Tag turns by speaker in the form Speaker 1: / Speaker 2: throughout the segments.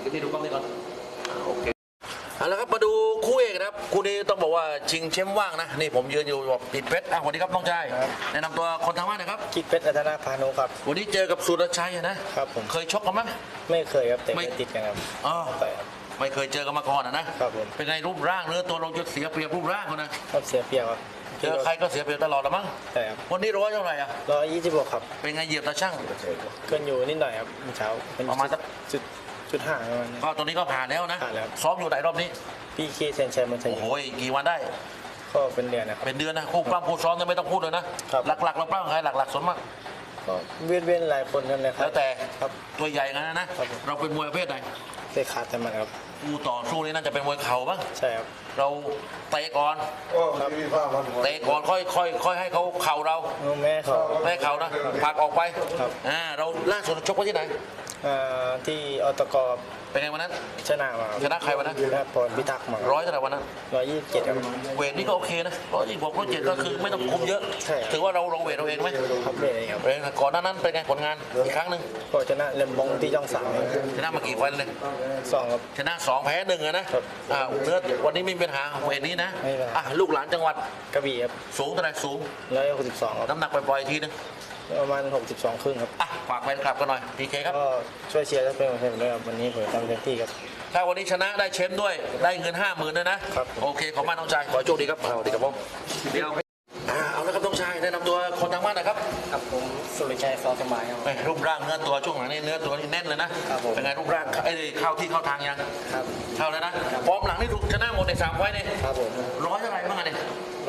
Speaker 1: ที่ดูกล้องนี้ก่อนโอเคเอาละครับมาดูคู่เอกนะครับคู่นี้ต้องบอกว่าชิงแชมป์ว่างนะนี่ผมยืนอยู่กับกิจเพชรสวัสดีครับน้องชายแนะนำตัวคนทางบ้านนะครับ
Speaker 2: กิจเพชรอัธนาพานุครับ
Speaker 1: วันนี้เจอกับสุรชัยนะครับผมเคยชกกันไหม
Speaker 2: ไม่เคยครับแต่ไม่ติดกันครับ
Speaker 1: ไม่เคยเจอกันมาก่อนนะครับผมเป็นไงรูปร่างเนื้อตัวเราจะเสียเปรียบรูปร่างคนนะครับ
Speaker 2: เสียเปรียบครับ
Speaker 1: เจอใครก็เสียเปรียบตลอดละมั้ง
Speaker 2: ใช่ครับ
Speaker 1: วันนี้100เท่าไหร่
Speaker 2: 126ครับ
Speaker 1: เป็นไงเหยียบตาช่าง
Speaker 2: เกินอยู่นิดหน่อยครับเช้า
Speaker 1: ประมาณสัก
Speaker 2: จุด 5ประมาณนี้
Speaker 1: ก็ตัวนี้ก็ผ่านแล้วนะ
Speaker 2: ผ่านแล้ว
Speaker 1: ซ้อมอยู่ไหนรอบนี้
Speaker 2: พี่เคเซนชัยมันชัย
Speaker 1: โอ้ยกี่วันได้
Speaker 2: ก็เป็นเดือนนะครับ
Speaker 1: เป็นเดือนนะคู่ปล้ำคู่ซ้อมไม่ต้องพูดเลยนะหลักๆเราปล้ำใครหลักๆส่วนมาก
Speaker 2: ก็เวียนหลายคนกันเลยครับ
Speaker 1: แล้วแต่
Speaker 2: ครับ
Speaker 1: ตัวใหญ่กันนะเราเป็นมวยประเภทไหน
Speaker 2: เตะขาดแต่มันครับ
Speaker 1: คู่ต่อสู้นี่น่าจะเป็นมวยเข่าบ้าง
Speaker 2: ใช่ครับ
Speaker 1: เราเตะก่อนเตะก่อนค่อยให้เขาเข่าเรา
Speaker 2: แม่
Speaker 1: เขานะผลักออกไปเราล่าสุดชกไว้ที่ไหน
Speaker 2: ที่อตก
Speaker 1: เป็นไงวันนั้น
Speaker 2: ชนะมา
Speaker 1: ชนะใครวันนั้น
Speaker 2: ชนะพรพิทักษ์มา
Speaker 1: 100เท่าไหร่วันนั้น
Speaker 2: 127ครับ
Speaker 1: เวทนี่ก็โอเคนะ126 127ก็คือไม่ต้องคุมเยอะถือว่าเราเวทเราเองไหม
Speaker 2: ครับเวทครับ
Speaker 1: ก่อนหน้านั้นเป็นไงผลงานอีกครั้งหนึ่ง
Speaker 2: ก็ชนะเลมบองที่ช่อง3
Speaker 1: ชนะมากี่ไฟเลย
Speaker 2: 2ครับ
Speaker 1: ชนะ2แพ้1นะเนื้อวันนี้มีปัญหาเวทนี้นะลูกหลานจังหวัด
Speaker 2: กระบี่ครับ
Speaker 1: สูงเท่าไหร่สูง
Speaker 2: 162ครับ
Speaker 1: น้ำหนักปล่อยๆทีนึง
Speaker 2: ประมาณ62ครึ่งครับ
Speaker 1: ฝากแฟนคลับกันหน่อยพีเคครับ
Speaker 2: ก็ช่วยเชียร์และเป็นกำลังใจด้วยครับวันนี้ผมทำเต็มที่ครับ
Speaker 1: ถ้าวันนี้ชนะได้แชมป์ด้วยได้เงิน50,000ด้วยนะครับโอเคขอบคุณน้องชายขอโชคดีครับสวัสดีครับผมเดี๋ยวเอาละครับน้องชายแนะนำตัวคนทางบ้านนะครับ
Speaker 2: ครับผมสุริชัยซอสมัยครับ
Speaker 1: รูปร่างเนื้อตัวช่วงหลังนี่เนื้อตัวนี่แน่นเลยนะเป็นไงรูปร่างเข้าที่เข้าทางยัง
Speaker 2: ครับ
Speaker 1: เข้าแล้วนะพร้อมหลังนี่ถูกชนะหมดใน3ไฟนี่
Speaker 2: ครับผม
Speaker 1: 100เท่าไหร่บ้างเนี่ย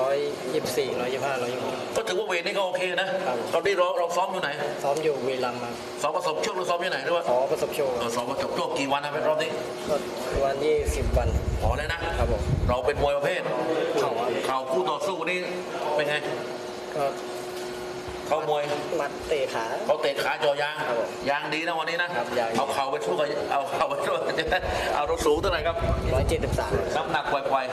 Speaker 2: 124 125 126
Speaker 1: ก็ถือว่าเวทนี่ก็โอเคนะตอนนี้เราซ้อมอยู่ไหน
Speaker 2: ซ้อมอยู่วีรัมย์ครับ
Speaker 1: ซ้อมประสบโชคหรือซ้อมอยู่ไหนด้วย
Speaker 2: ประสบโชค
Speaker 1: ซ้อมประสบโชคกี่วันนะเป็นรอบนี้
Speaker 2: วัน20 วัน
Speaker 1: พอแล้วนะครับ
Speaker 2: ผม
Speaker 1: เราเป็นมวยประเภทเข่าคู่ต่อสู้นี่เป็นไง
Speaker 2: ก็
Speaker 1: เขามวย
Speaker 2: มัดเตะขา
Speaker 1: เขาเตะขาจอยางดีนะวันนี้นะเอาเข่าไปช่วยเอาเข่าไปช่วยเอารถสูงเท่าไหร่ครับ
Speaker 2: 173
Speaker 1: น้ำหนักปล่อย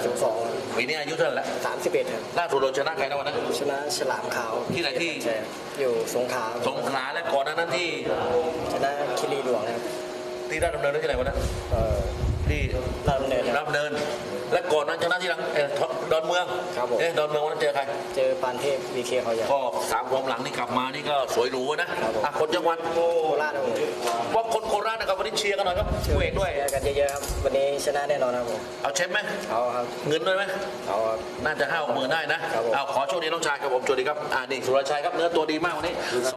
Speaker 2: 62
Speaker 1: ปีนี้อายุเท่าไหร่แล้ว
Speaker 2: 31ครับ
Speaker 1: ล่าสุดเราชนะใครนะวันนั้น
Speaker 2: ชนะฉลามขาว
Speaker 1: ที่ไหนที่
Speaker 2: อยู่สงขลา
Speaker 1: และก่อนนั้นที่
Speaker 2: ชนะคิรีหลวงครับ
Speaker 1: ที่ราชดำเนินที่ไหนวันนั้นที่
Speaker 2: ราชดำเ
Speaker 1: นินและก่อนนั้นชนะที่ดอนเมืองดอนเมืองวันนั้นเจอใคร
Speaker 2: เจอปานเทพวีเคเขาใหญ่
Speaker 1: ก็3ความหลังนี่กลับมานี่ก็สวยหรูนะคนจังหวัด
Speaker 2: โคราช
Speaker 1: ว่าคนโคราชนะครับวันนี้เชียร์กันหน่อยครับเวทด้วย
Speaker 2: กันเยอะๆครับวันนี้ชนะแน่นอนครับผม
Speaker 1: เอาเช็คไหม
Speaker 2: เอาครับ
Speaker 1: เงินด้วยไหม
Speaker 2: เอาครับ
Speaker 1: น่าจะ50,000ได้นะเอาขอโชคดีน้องชายครับผมสวัสดีครับนี่สุรชัยครับเนื้อตัวดีมากวันนี้